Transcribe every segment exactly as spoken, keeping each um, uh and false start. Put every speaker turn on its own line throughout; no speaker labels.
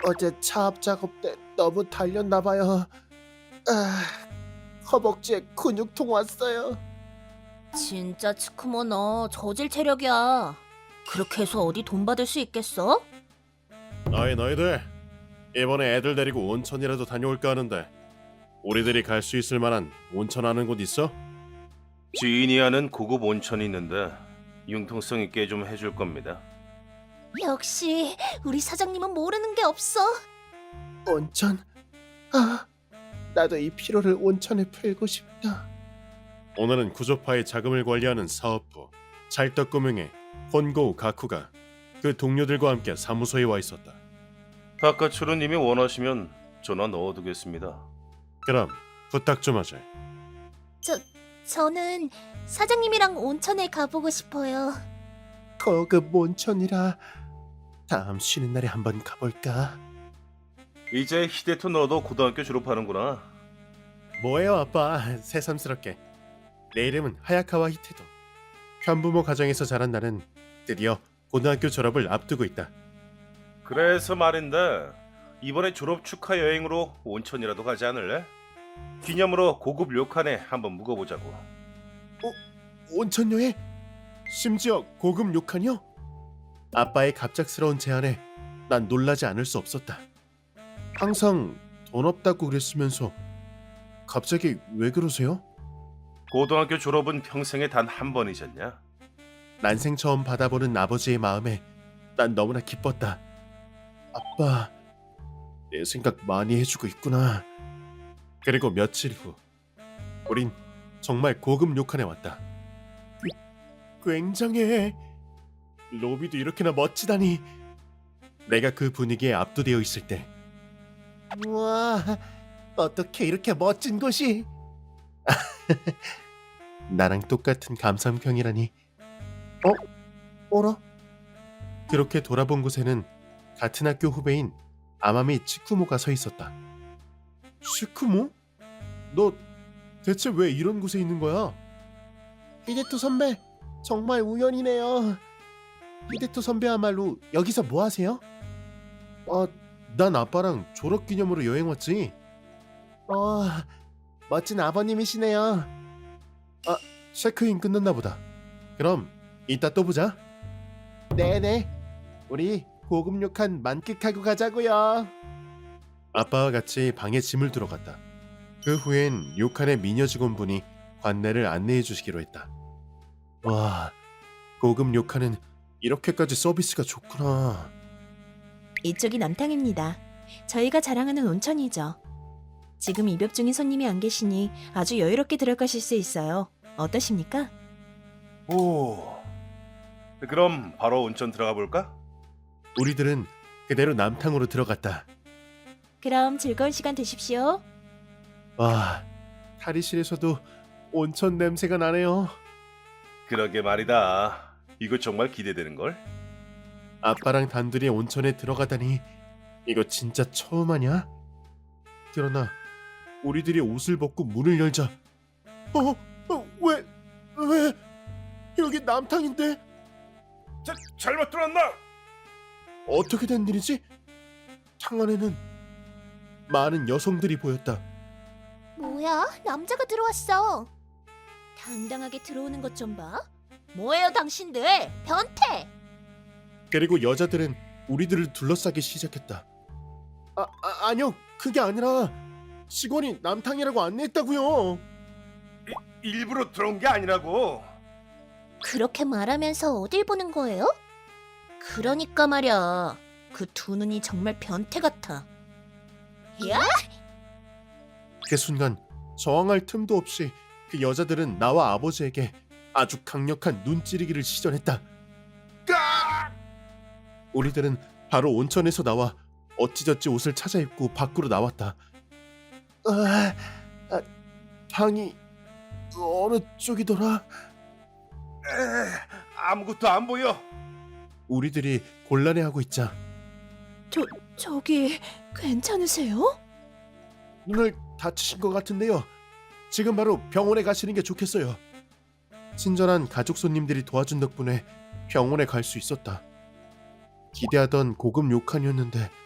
어제 차압 작업 때 너무 달렸나 봐요. 아, 허벅지에 근육통 왔어요.
진짜 치쿠모 너 저질 체력이야. 그렇게 해서 어디 돈 받을 수 있겠어?
아이 너희들 이번에 애들 데리고 온천이라도 다녀올까 하는데 우리들이 갈 수 있을 만한 온천 아는 곳 있어?
지인이 아는 고급 온천이 있는데 융통성 있게 좀 해줄 겁니다.
역시 우리 사장님은 모르는 게 없어.
온천? 아, 나도 이 피로를 온천에 풀고 싶다.
오늘은 구조파의 자금을 관리하는 사업부 찰떡구명의 혼고 가쿠가 그 동료들과 함께 사무소에 와 있었다.
바카츠루님이 원하시면 전화 넣어두겠습니다.
그럼 부탁 좀 하자.
저 저는 사장님이랑 온천에 가보고 싶어요.
고급 온천이라 다음 쉬는 날에 한번 가볼까?
이제 히데토 너도 고등학교 졸업하는구나.
뭐예요 아빠 새삼스럽게. 내 이름은 하야카와 히테도. 편부모 가정에서 자란 나는 드디어 고등학교 졸업을 앞두고 있다.
그래서 말인데 이번에 졸업 축하 여행으로 온천이라도 가지 않을래? 기념으로 고급 료칸에 한번 묵어보자고.
온천 여행?
심지어 고급 욕하뇨? 아빠의 갑작스러운 제안에 난 놀라지 않을 수 없었다. 항상 돈 없다고 그랬으면서 갑자기 왜 그러세요?
고등학교 졸업은 평생에 단 한 번이잖냐?
난생 처음 받아보는 아버지의 마음에 난 너무나 기뻤다. 아빠, 내 생각 많이 해주고 있구나. 그리고 며칠 후 우린 정말 고급 욕칸에 왔다. 굉장해. 로비도 이렇게나 멋지다니. 내가 그 분위기에 압도되어 있을 때
우와, 어떻게 이렇게 멋진 곳이?
나랑 똑같은 감상평이라니.
어? 어라?
그렇게 돌아본 곳에는 같은 학교 후배인 아마미 치쿠모가 서 있었다. 치쿠모? 너 대체 왜 이런 곳에 있는 거야?
히데토 선배, 정말 우연이네요. 히데토 선배야말로 여기서 뭐 하세요?
아, 난 아빠랑 졸업기념으로 여행 왔지.
어, 멋진 아버님이시네요.
아, 체크인 끝났나 보다. 그럼 이따 또 보자.
네네, 우리 고급 욕한 만끽하고 가자고요.
아빠와 같이 방에 짐을 들어갔다. 그 후엔 욕한의 미녀 직원분이 관내를 안내해 주시기로 했다. 와, 고급 욕한은 이렇게까지 서비스가 좋구나.
이쪽이 남탕입니다. 저희가 자랑하는 온천이죠. 지금 입역 중인 손님이 안 계시니 아주 여유롭게 들어가실 수 있어요. 어떠십니까?
오. 그럼 바로 온천 들어가 볼까?
우리들은 그대로 남탕으로 들어갔다.
그럼 즐거운 시간 되십시오.
와, 탈의실에서도 온천 냄새가 나네요.
그러게 말이다. 이거 정말 기대되는 걸.
아빠랑 단둘이 온천에 들어가다니 이거 진짜 처음 하냐? 그러나 우리들이 옷을 벗고 문을 열자
어, 어, 왜, 왜? 여기 남탕인데
자, 잘못 들었나?
어떻게 된 일이지? 탕 안에는 많은 여성들이 보였다.
뭐야? 남자가 들어왔어.
당당하게 들어오는 것 좀 봐.
뭐예요, 당신들? 변태!
그리고 여자들은 우리들을 둘러싸기 시작했다.
아, 아 아니요, 그게 아니라 직원이 남탕이라고 안내했다고요.
일부러 들어온 게 아니라고.
그렇게 말하면서 어딜 보는 거예요? 그러니까 말이야. 그 두 눈이 정말 변태 같아. 야?
그 순간 저항할 틈도 없이 그 여자들은 나와 아버지에게 아주 강력한 눈찌르기를 시전했다. 우리들은 바로 온천에서 나와 어찌저찌 옷을 찾아 입고 밖으로 나왔다.
아, 아, 방이 어느 쪽이더라?
에, 아무것도 안 보여.
우리들이 곤란해하고 있자
저, 저기 괜찮으세요?
눈을 다치신 것 같은데요.
지금 바로 병원에 가시는 게 좋겠어요. 친절한 가족 손님들이 도와준 덕분에 병원에 갈 수 있었다. 기대하던 고급 욕칸이었는데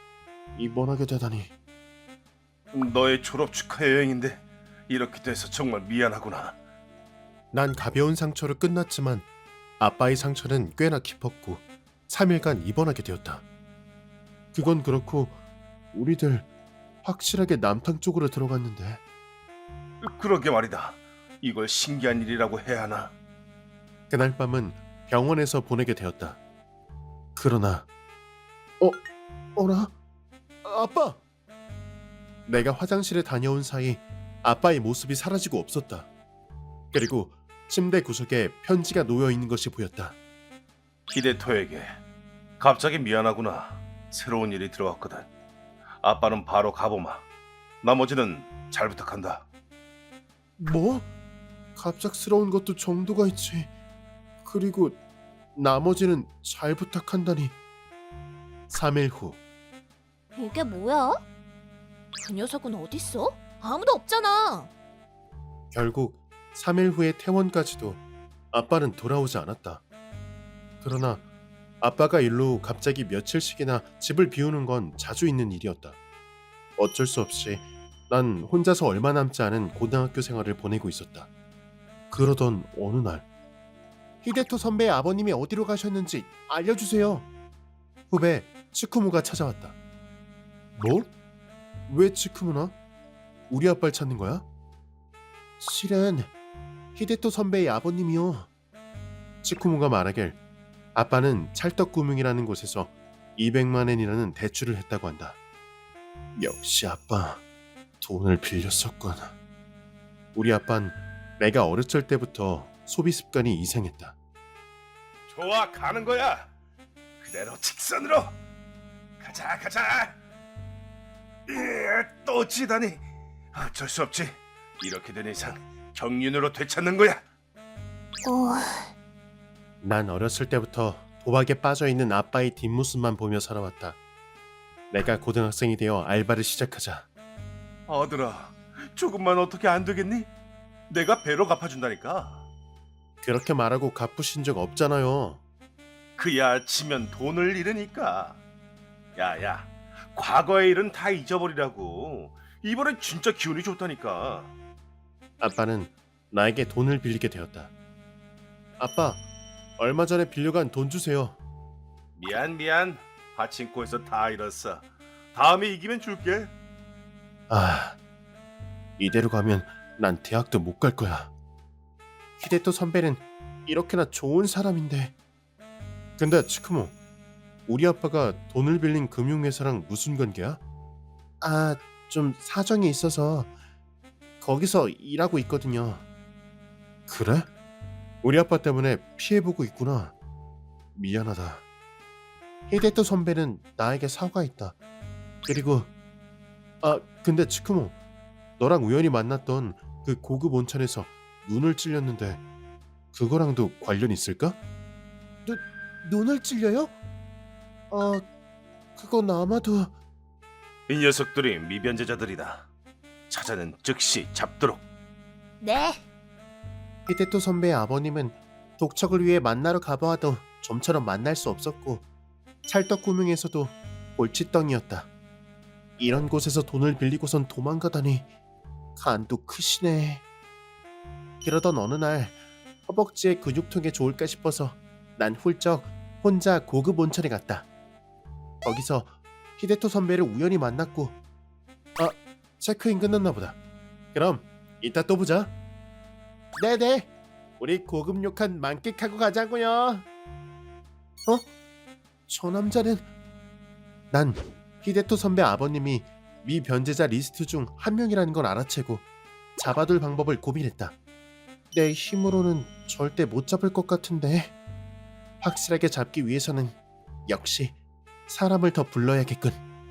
입원하게 되다니.
너의 졸업 축하 여행인데 이렇게 돼서 정말 미안하구나.
난 가벼운 상처로 끝났지만 아빠의 상처는 꽤나 깊었고 삼 일간 입원하게 되었다. 그건 그렇고 우리들 확실하게 남탕 쪽으로 들어갔는데.
그러게 말이다. 이걸 신기한 일이라고 해야 하나?
그날 밤은 병원에서 보내게 되었다. 그러나 어? 어라? 아빠! 내가 화장실에 다녀온 사이 아빠의 모습이 사라지고 없었다. 그리고 침대 구석에 편지가 놓여 있는 것이 보였다.
히데토에게 갑자기 미안하구나. 새로운 일이 들어왔거든. 아빠는 바로 가보마. 나머지는 잘 부탁한다.
뭐? 갑작스러운 것도 정도가 있지. 그리고 나머지는 잘 부탁한다니. 삼 일 후
이게 뭐야? 그 녀석은 어딨어? 아무도 없잖아.
결국 삼 일 후의 퇴원까지도 아빠는 돌아오지 않았다. 그러나 아빠가 일로 갑자기 며칠씩이나 집을 비우는 건 자주 있는 일이었다. 어쩔 수 없이 난 혼자서 얼마 남지 않은 고등학교 생활을 보내고 있었다. 그러던 어느 날 히데토 선배의 아버님이 어디로 가셨는지 알려주세요. 후배 치쿠무가 찾아왔다. 뭘? 왜 치쿠무나? 우리 아빠를 찾는 거야? 실은 히데토 선배의 아버님이요. 치쿠무가 말하길 아빠는 찰떡구명이라는 곳에서 이백만 엔이라는 대출을 했다고 한다. 역시 아빠 돈을 빌렸었군. 우리 아빤 내가 어렸을 때부터 소비 습관이 이상했다.
좋아, 가는 거야. 그대로 직선으로. 가자, 가자. 으, 또 지다니. 어쩔 수 없지. 이렇게 된 이상 경륜으로 되찾는 거야.
어...
난 어렸을 때부터 도박에 빠져있는 아빠의 뒷모습만 보며 살아왔다. 내가 고등학생이 되어 알바를 시작하자
아들아, 조금만 어떻게 안 되겠니? 내가 배로 갚아준다니까.
그렇게 말하고 갚으신 적 없잖아요.
그야 치면 돈을 잃으니까. 야야, 과거의 일은 다 잊어버리라고. 이번엔 진짜 기운이 좋다니까.
아빠는 나에게 돈을 빌리게 되었다. 아빠, 얼마 전에 빌려간 돈 주세요.
미안 미안. 파친코에서 다 잃었어. 다음에 이기면 줄게.
아, 이대로 가면 난 대학도 못 갈 거야. 히데토 선배는 이렇게나 좋은 사람인데. 근데 치쿠모, 우리 아빠가 돈을 빌린 금융회사랑 무슨 관계야? 아, 좀 사정이 있어서 거기서 일하고 있거든요. 그래? 우리 아빠 때문에 피해보고 있구나. 미안하다. 히데토 선배는 나에게 사과했다. 그리고 아, 근데 치쿠모, 너랑 우연히 만났던 그 고급 온천에서 눈을 찔렸는데 그거랑도 관련 있을까? 눈, 눈을 찔려요? 어, 그건 아마도...
이 녀석들이 미변제자들이다. 찾아낸 즉시 잡도록.
네.
히데토 선배의 아버님은 독척을 위해 만나러 가봐도 좀처럼 만날 수 없었고 찰떡구명에서도 골칫덩이었다. 이런 곳에서 돈을 빌리고선 도망가다니 간도 크시네. 그러던 어느 날 허벅지에 근육통에 좋을까 싶어서 난 훌쩍 혼자 고급 온천에 갔다. 거기서 히데토 선배를 우연히 만났고 아, 체크인 끝났나 보다. 그럼 이따 또 보자. 네네, 우리 고급 욕한 만끽하고 가자고요. 어? 저 남자는... 난 히데토 선배 아버님이 미변제자 리스트 중 한 명이라는 걸 알아채고 잡아둘 방법을 고민했다. 내 힘으로는 절대 못 잡을 것 같은데 확실하게 잡기 위해서는 역시 사람을 더 불러야겠군.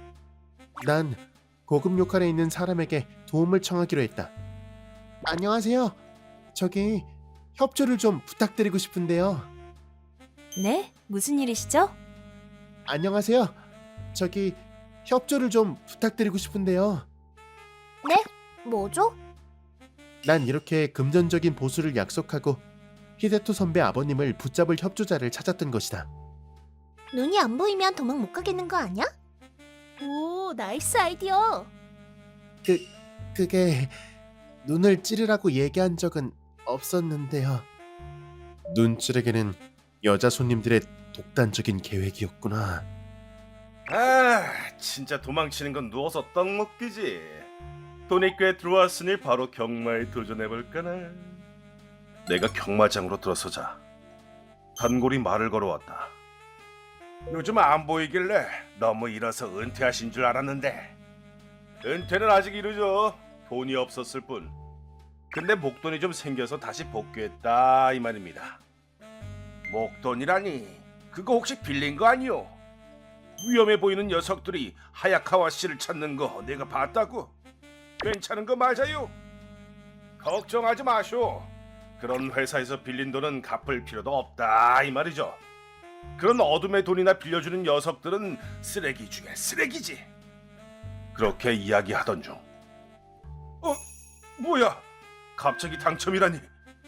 난 고급 욕한에 있는 사람에게 도움을 청하기로 했다. 안녕하세요. 저기 협조를 좀 부탁드리고 싶은데요.
네? 무슨 일이시죠?
안녕하세요. 저기 협조를 좀 부탁드리고 싶은데요.
뭐죠?
난 이렇게 금전적인 보수를 약속하고 히데토 선배 아버님을 붙잡을 협조자를 찾았던 것이다.
눈이 안 보이면 도망 못 가겠는 거 아니야? 오, 나이스 아이디어.
그 그게 눈을 찌르라고 얘기한 적은 없었는데요.
눈찌르기는 여자 손님들의 독단적인 계획이었구나.
아, 진짜 도망치는 건 누워서 떡 먹기지. 돈이 꽤 들어왔으니 바로 경마에 도전해볼까나. 내가 경마장으로 들어서자 단골이 말을 걸어왔다. 요즘 안 보이길래 너무 일어서 은퇴하신 줄 알았는데 은퇴는 아직 이르죠. 돈이 없었을 뿐. 근데 목돈이 좀 생겨서 다시 복귀했다 이 말입니다. 목돈이라니 그거 혹시 빌린 거 아니요? 위험해 보이는 녀석들이 하야카와 씨를 찾는 거 내가 봤다고. 괜찮은 거 맞아요? 걱정하지 마쇼. 그런 회사에서 빌린 돈은 갚을 필요도 없다 이 말이죠. 그런 어둠의 돈이나 빌려주는 녀석들은 쓰레기 중에 쓰레기지. 그렇게 이야기하던 중 어? 뭐야? 갑자기 당첨이라니.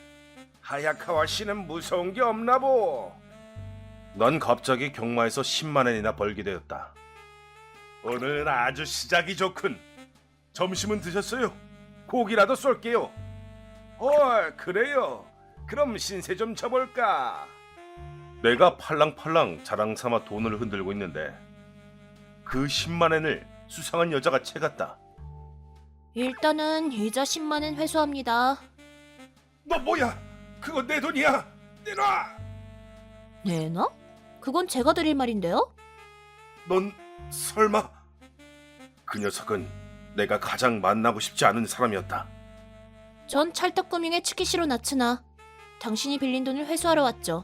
하야카와 씨는 무서운 게 없나 보. 난 갑자기 경마에서 십만 엔이나 벌게 되었다. 오늘은 아주 시작이 좋군. 점심은 드셨어요? 고기라도 쏠게요. 헐, 그래요. 그럼 신세 좀 쳐볼까? 내가 팔랑팔랑 자랑삼아 돈을 흔들고 있는데 그 십만 엔을 수상한 여자가 채갔다.
일단은 이자 십만 엔 회수합니다.
너 뭐야? 그거 내 돈이야. 내놔.
내놔? 그건 제가 드릴 말인데요.
넌 설마? 그 녀석은 내가 가장 만나고 싶지 않은 사람이었다.
전 찰떡금융의 치키시로 나츠나. 당신이 빌린 돈을 회수하러 왔죠.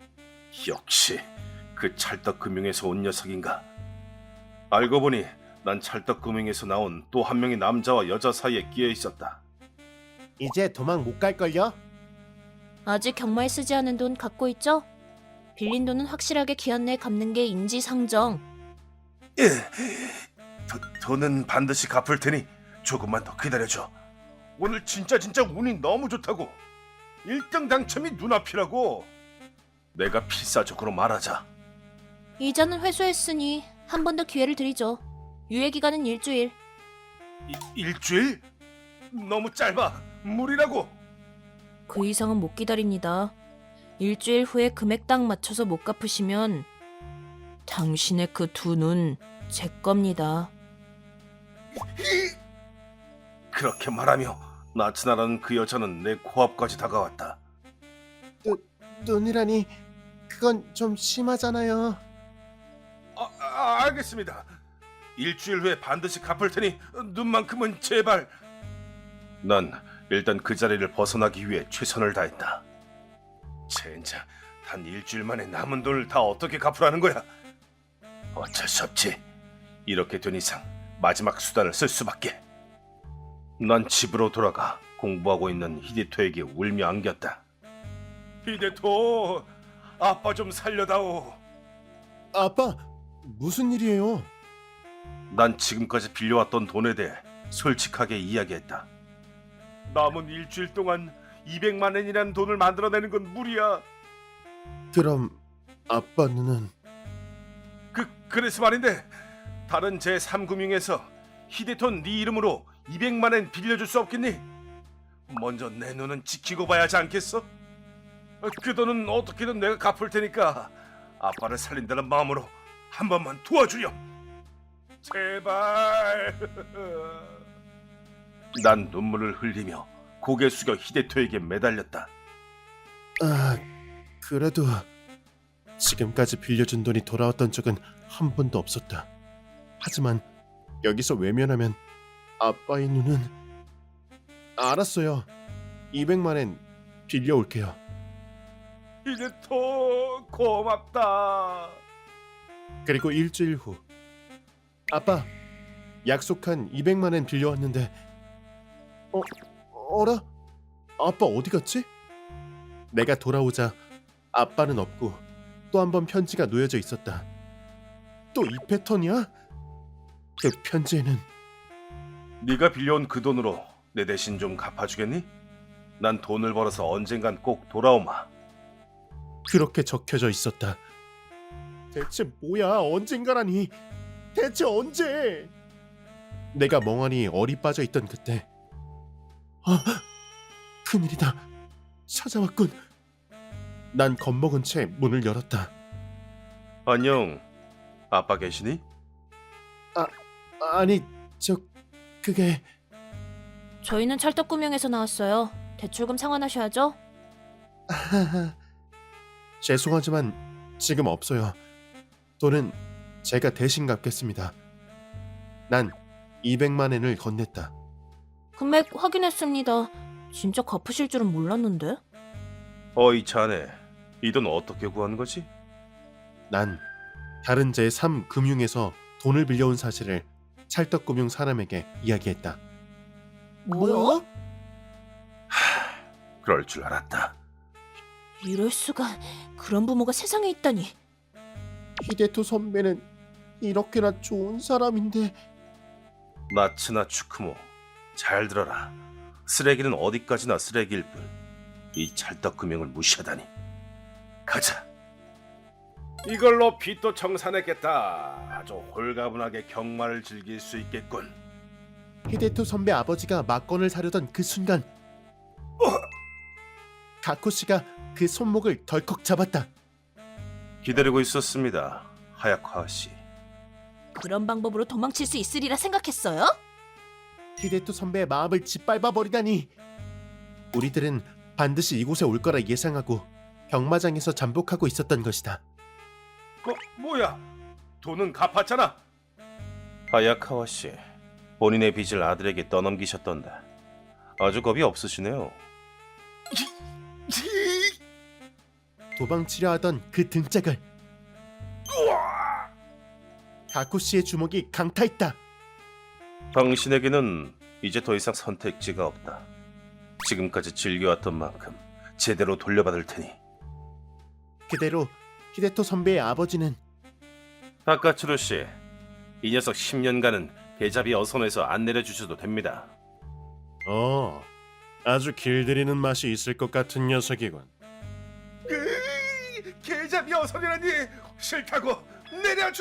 역시 그 찰떡금융에서 온 녀석인가. 알고 보니 난 찰떡금융에서 나온 또 한 명의 남자와 여자 사이에 끼어 있었다.
이제 도망 못 갈걸요?
아직 경마에 쓰지 않은 돈 갖고 있죠? 빌린 돈은 확실하게 기한 내에 갚는 게 인지상정.
예, 도, 돈은 반드시 갚을 테니 조금만 더 기다려줘. 오늘 진짜 진짜 운이 너무 좋다고. 일 등 당첨이 눈앞이라고. 내가 필사적으로 말하자.
이자는 회수했으니 한 번 더 기회를 드리죠. 유예 기간은 일주일.
이, 일주일? 너무 짧아. 무리라고.
그 이상은 못 기다립니다. 일주일 후에 금액 딱 맞춰서 못 갚으시면 당신의 그 두 눈 제 겁니다.
그렇게 말하며 나츠나라는 그 여자는 내 코앞까지 다가왔다.
눈이라니 그건 좀 심하잖아요.
아, 아, 알겠습니다. 일주일 후에 반드시 갚을 테니 눈만큼은 제발. 난 일단 그 자리를 벗어나기 위해 최선을 다했다. 젠장, 단 일주일 만에 남은 돈을 다 어떻게 갚으라는 거야? 어쩔 수 없지. 이렇게 된 이상 마지막 수단을 쓸 수밖에. 난 집으로 돌아가 공부하고 있는 히데토에게 울며 안겼다. 히데토, 아빠 좀 살려다오.
아빠, 무슨 일이에요?
난 지금까지 빌려왔던 돈에 대해 솔직하게 이야기했다. 남은 일주일 동안 이백만 엔이라는 돈을 만들어내는 건 무리야.
그럼 아빠 눈은
그 그래서 말인데 다른 제삼 금융에서 히데톤 네 이름으로 이백만 엔 빌려줄 수 없겠니? 먼저 내 눈은 지키고 봐야 하지 않겠어? 그 돈은 어떻게든 내가 갚을 테니까 아빠를 살린다는 마음으로 한 번만 도와주렴. 제발. 난 눈물을 흘리며 고개 숙여 히데토에게 매달렸다.
아, 그래도 지금까지 빌려준 돈이 돌아왔던 적은 한 번도 없었다. 하지만 여기서 외면하면 아빠의 눈은 알았어요. 이백만 엔 빌려올게요.
히데토 고맙다.
그리고 일주일 후 아빠, 약속한 이백만 엔 빌려왔는데 어, 어라? 아빠 어디 갔지? 내가 돌아오자 아빠는 없고 또 한 번 편지가 놓여져 있었다. 또 이 패턴이야? 그 편지에는
네가 빌려온 그 돈으로 내 대신 좀 갚아주겠니? 난 돈을 벌어서 언젠간 꼭 돌아오마.
그렇게 적혀져 있었다. 대체 뭐야? 언젠가라니. 대체 언제? 내가 멍하니 어리 빠져 있던 그때 아, 큰일이다. 찾아왔군. 난 겁먹은 채 문을 열었다.
안녕. 아빠 계시니?
아니, 저 그게
저희는 찰떡구명에서 나왔어요. 대출금 상환하셔야죠.
죄송하지만 지금 없어요. 돈은 제가 대신 갚겠습니다. 난 이백만 엔을 건넸다.
금액 확인했습니다. 진짜 갚으실 줄은 몰랐는데.
어이 자네, 이 돈 어떻게 구한 거지?
난 다른 제삼 금융에서 돈을 빌려온 사실을 찰떡금융 사람에게 이야기했다.
뭐야?
그럴 줄 알았다.
이럴 수가. 그런 부모가 세상에 있다니.
히데토 선배는 이렇게나 좋은 사람인데
나츠나 추크모, 잘 들어라. 쓰레기는 어디까지나 쓰레기일 뿐. 이 찰떡금융을 무시하다니. 가자. 이걸로 빚도 청산했겠다. 아주 홀가분하게 경마를 즐길 수 있겠군.
히데토 선배 아버지가 막건을 사려던 그 순간 가코 씨가 그 손목을 덜컥 잡았다.
기다리고 있었습니다, 하야카와 씨.
그런 방법으로 도망칠 수 있으리라 생각했어요?
히데토 선배의 마음을 짓밟아 버리다니. 우리들은 반드시 이곳에 올 거라 예상하고 경마장에서 잠복하고 있었던 것이다.
뭐, 뭐야? 돈은 갚았잖아. 하야카와 씨, 본인의 빚을 아들에게 떠넘기셨던데 아주 겁이 없으시네요.
도망치려 하던 그 등짝을 가코 씨의 주먹이 강타했다.
당신에게는 이제 더 이상 선택지가 없다. 지금까지 즐겨왔던 만큼 제대로 돌려받을 테니.
그대로 히데토 선배의 아버지는
다카츠루 씨, 이 녀석 십 년간은 계좌비 어선에서 안 내려주셔도 됩니다.
어, 아주 길들이는 맛이 있을 것 같은 녀석이군.
계좌비 어선이라니 싫다고 내려줘!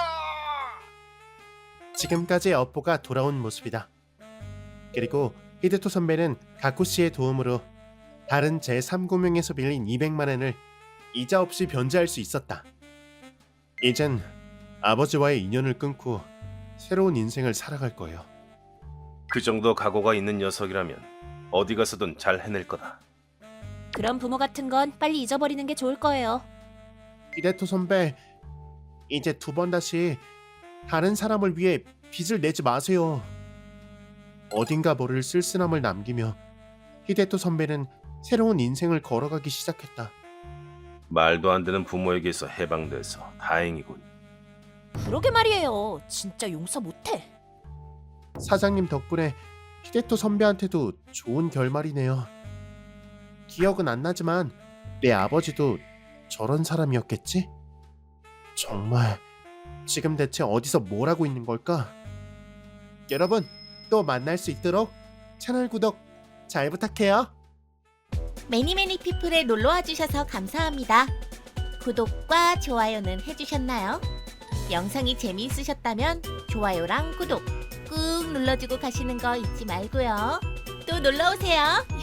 지금까지의 업보가 돌아온 모습이다. 그리고 히데토 선배는 가코 씨의 도움으로 다른 제삼 금융에서 빌린 이백만 엔을 이자 없이 변제할 수 있었다. 이젠 아버지와의 인연을 끊고 새로운 인생을 살아갈 거예요.
그 정도 각오가 있는 녀석이라면 어디 가서든 잘 해낼 거다.
그런 부모 같은 건 빨리 잊어버리는 게 좋을 거예요.
히데토 선배, 이제 두 번 다시 다른 사람을 위해 빚을 내지 마세요. 어딘가 모를 쓸쓸함을 남기며 히데토 선배는 새로운 인생을 걸어가기 시작했다.
말도 안 되는 부모에게서 해방돼서 다행이군.
그러게 말이에요. 진짜 용서 못해.
사장님 덕분에 히데토 선배한테도 좋은 결말이네요. 기억은 안 나지만 내 아버지도 저런 사람이었겠지? 정말 지금 대체 어디서 뭘 하고 있는 걸까? 여러분, 또 만날 수 있도록 채널 구독 잘 부탁해요.
매니매니 피플에 놀러와 주셔서 감사합니다. 구독과 좋아요는 해주셨나요? 영상이 재미있으셨다면 좋아요랑 구독 꾹 눌러주고 가시는 거 잊지 말고요. 또 놀러오세요.